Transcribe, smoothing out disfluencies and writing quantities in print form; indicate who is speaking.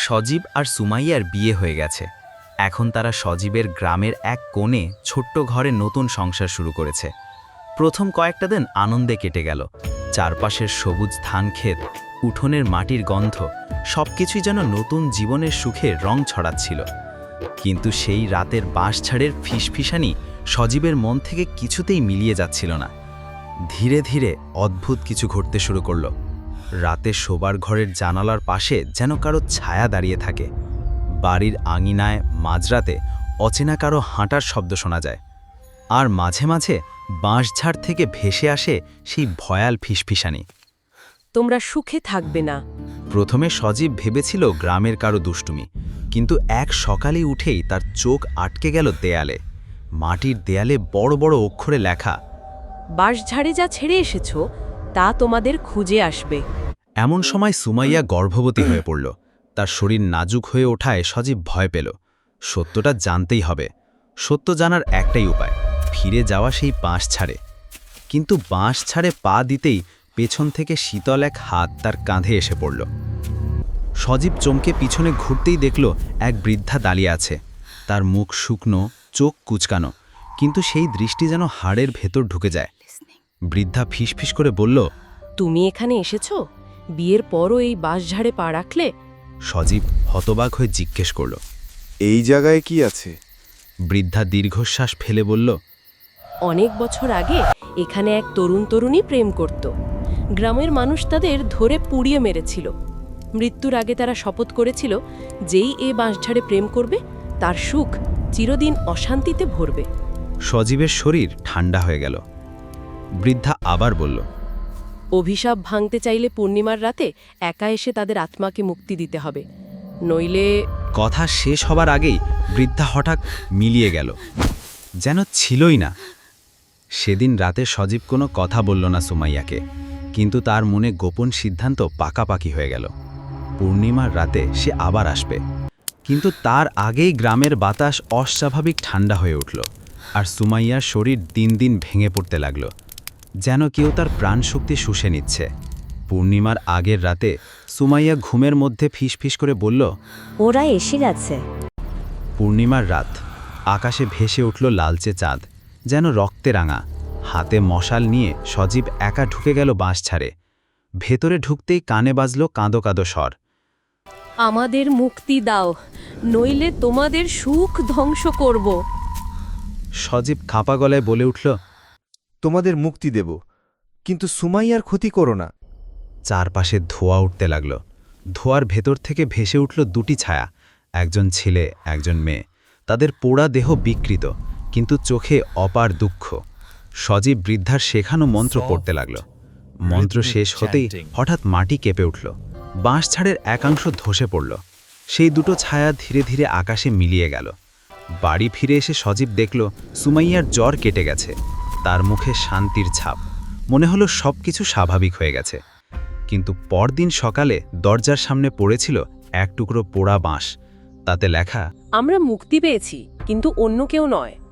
Speaker 1: সজীব আর সুমাইয়ার বিয়ে হয়ে গেছে। এখন তারা সজীবের গ্রামের এক কোণে ছোট্ট ঘরে নতুন সংসার শুরু করেছে। প্রথম কয়েকটা দিন আনন্দে কেটে গেল। চারপাশের সবুজ ধানক্ষেত, উঠোনের মাটির গন্ধ, সবকিছুই যেন নতুন জীবনের সুখে রং ছড়াচ্ছিল। কিন্তু সেই রাতের বাঁশঝাড়ের ফিসফিসানি সজীবের মন থেকে কিছুতেই মিলিয়ে যাচ্ছিল না। ধীরে ধীরে অদ্ভুত কিছু ঘটতে শুরু করল। রাতে শোবার ঘরের জানালার পাশে যেন কারো ছায়া দাঁড়িয়ে থাকে। বাড়ির আঙিনায় মাঝরাতে অচেনা কারো হাঁটার শব্দ শোনা যায়। আর মাঝে মাঝে বাঁশঝাড় থেকে ভেসে আসে সেই ভয়াল ফিসফিসানি।
Speaker 2: তোমরা সুখে থাকবে না।
Speaker 1: প্রথমে সজীব ভেবেছিল গ্রামের কারো দুষ্টুমি, কিন্তু এক সকালে উঠেই তার চোখ আটকে গেল দেয়ালে। মাটির দেয়ালে বড় বড় অক্ষরে লেখা,
Speaker 2: বাঁশঝাড়ে যা ছেড়ে এসেছো তা তোমাদের খুঁজে আসবে।
Speaker 1: এমন সময় সুমাইয়া গর্ভবতী হয়ে পড়ল। তার শরীর নাজুক হয়ে ওঠায় সজীব ভয় পেল। সত্যটা জানতেই হবে। সত্য জানার একটাই উপায়, ফিরে যাওয়া সেই বাঁশঝাড়ে। কিন্তু বাঁশঝাড়ে পা দিতেই পেছন থেকে শীতল এক হাত তার কাঁধে এসে পড়ল। সজীব চমকে পিছনে ঘুরতেই দেখল এক বৃদ্ধা দাঁড়িয়ে আছে। তার মুখ শুকনো, চোখ কুচকানো, কিন্তু সেই দৃষ্টি যেন হাড়ের ভেতর ঢুকে যায়। বৃদ্ধা ফিসফিস করে বলল,
Speaker 2: তুমি এখানে এসেছো? বিয়ের পরও এই বাঁশঝাড়ে পা রাখলে?
Speaker 1: সজীব হতবাক হয়ে জিজ্ঞেস করল,
Speaker 3: এই জায়গায় কি আছে?
Speaker 1: বৃদ্ধা দীর্ঘশ্বাস ফেলে বলল,
Speaker 2: অনেক বছর আগে এখানে এক তরুণী প্রেম করত। গ্রামের মানুষ তাদের ধরে পুড়িয়ে মেরেছিল। মৃত্যুর আগে তারা শপথ করেছিল, যেই এ বাঁশঝাড়ে প্রেম করবে তার সুখ চিরদিন অশান্তিতে ভরবে।
Speaker 1: সজীবের শরীর ঠান্ডা হয়ে গেল। বৃদ্ধা আবার বলল,
Speaker 2: অভিশাপ ভাঙতে চাইলে পূর্ণিমার রাতে একা এসে তাদের আত্মাকে মুক্তি দিতে হবে, নইলে।
Speaker 1: কথা শেষ হবার আগেই বৃদ্ধা হঠাৎ মিলিয়ে গেল, যেন ছিলই না। সেদিন রাতে সজীব কোনো কথা বলল না সুমাইয়াকে, কিন্তু তার মনে গোপন সিদ্ধান্ত পাকাপাকি হয়ে গেল। পূর্ণিমার রাতে সে আবার আসবে, কিন্তু তার আগেই গ্রামের বাতাস অস্বাভাবিক ঠান্ডা হয়ে উঠল। আর সুমাইয়ার শরীর দিন দিন ভেঙে পড়তে লাগল, যেন কেউ তার প্রাণশক্তি শুষে নিচ্ছে। পূর্ণিমার আগের রাতে সুমাইয়া ঘুমের মধ্যে ফিসফিস করে বলল,
Speaker 4: ওরা এসে গেছে।
Speaker 1: পূর্ণিমার রাত, আকাশে ভেসে উঠল লালচে চাঁদ, যেন রক্তে রাঙা। হাতে মশাল নিয়ে সজীব একা ঢুকে গেল বাঁশঝাড়ে। ভেতরে ঢুকতেই কানে বাজল কাঁদো কাঁদো স্বর,
Speaker 2: আমাদের মুক্তি দাও, নইলে তোমাদের সুখ ধ্বংস করব।
Speaker 1: সজীব খাপা গলায় বলে উঠল,
Speaker 3: তোমাদের মুক্তি দেব, কিন্তু সুমাইয়ার ক্ষতি করো না।
Speaker 1: চারপাশে ধোঁয়া উঠতে লাগল। ধোঁয়ার ভেতর থেকে ভেসে উঠল দুটি ছায়া, একজন ছেলে, একজন মেয়ে। তাদের পোড়া দেহ বিকৃত, কিন্তু চোখে অপার দুঃখ। সজীব বৃদ্ধার শেখানো মন্ত্র পড়তে লাগল। মন্ত্র শেষ হতেই হঠাৎ মাটি কেঁপে উঠল। বাঁশঝাড়ের একাংশ ধসে পড়ল। সেই দুটো ছায়া ধীরে ধীরে আকাশে মিলিয়ে গেল। বাড়ি ফিরে এসে সজীব দেখল সুমাইয়ার জ্বর কেটে গেছে। তার মুখে শান্তির ছাপ। মনে হলো সবকিছু স্বাভাবিক হয়ে গেছে। কিন্তু পরদিন সকালে দরজার সামনে পড়েছিল এক টুকরো পোড়া বাঁশ। তাতে লেখা,
Speaker 2: আমরা মুক্তি পেয়েছি, কিন্তু অন্য কেউ নয়।